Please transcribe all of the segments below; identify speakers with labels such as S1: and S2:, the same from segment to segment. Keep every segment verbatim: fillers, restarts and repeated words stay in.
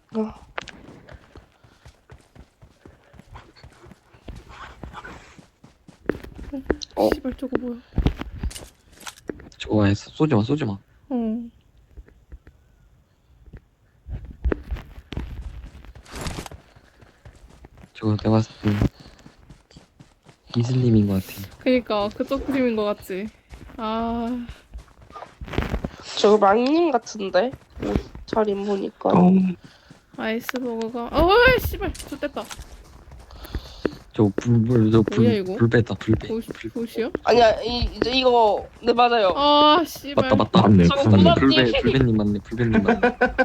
S1: 어.
S2: 어.
S3: 씨발 저거 뭐야?
S2: 저거 했어. 쏘지 마, 쏘지 마.
S3: 어.
S2: 저거 내가 봤을 때 이슬림인 것 같아.
S3: 그니까 그쪽 그림인 것 같지. 아.
S1: 저거 망님 같은데? 옷차림 보니까.
S2: 어.
S3: 아이스버거가. 어, 씨발 좋댔다.
S2: 저거 불, 불, 저
S3: 뭐야,
S2: 불,
S3: 이거?
S2: 불 뺐다, 불 빼.
S3: 보시 보시요?
S1: 아니야, 이, 이제 이거, 네, 맞아요.
S3: 아 씨발.
S2: 맞다, 맞다.
S4: 맞네.
S1: 저거
S4: 부산님.
S1: 고맙지.
S2: 불배, 불배님 맞네, 불배님 맞네.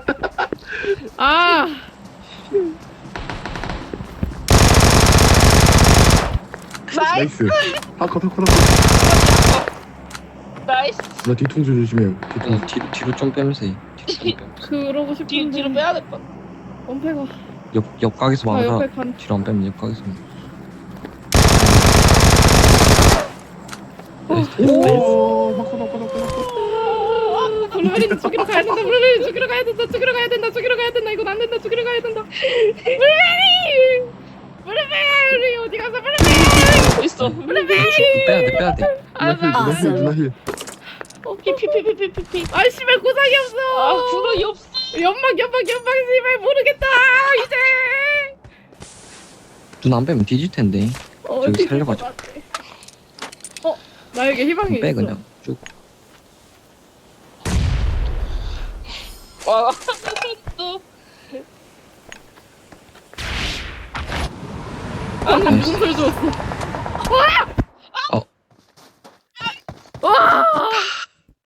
S3: 아.
S1: 나이스!
S4: 나이스. 하컷 하컷 하컷.
S1: 나이스!
S4: 나 뒤통수 조심해요. 뒤통수.
S2: 그냥 뒤로, 뒤로 좀 빼면서 해. 뒤로 좀 빼면서.
S3: 그러고
S1: 뒤,
S3: 싶은데.
S1: 뒤로 빼야 될 것 같아.
S3: 원패가.
S2: 옆, 옆각에서
S3: 아
S2: 막아라.
S3: 옆에 간.
S2: 뒤로 안 빼면 옆각에서 막아.
S4: 오, 하컷 하컷 하컷 하컷.
S3: 블루베리 죽이러 가야 된다. 블루베리 죽이러 가야 된다. 죽이러 가야 된다. 죽이러 가야 된다. 이건 안 된다. 죽이러 가야 된다. 블루베리. 블루베리 어디 가서 블루베리.
S1: 있어.
S3: 블루베리.
S2: 빼야 돼, 빼야 돼.
S3: 아,
S4: 누나 힐, 누나 힐, 누나 힐.
S1: 피피피피피피.
S3: 아 씨발 고상이 없어.
S1: 아, 구멍이 없어.
S3: 연막 연막 연막 씨발 모르겠다. 이제.
S2: 눈 안 빼면 뒤질 텐데.
S3: 어,
S2: 저기
S3: 뒤질
S2: 살려가지고.
S3: 것 같아. 어 나에게 희망이
S2: 빼,
S3: 있어.
S2: 그냥. 쭉.
S1: 와, 또.
S3: 방금 무슨 소리 들었어?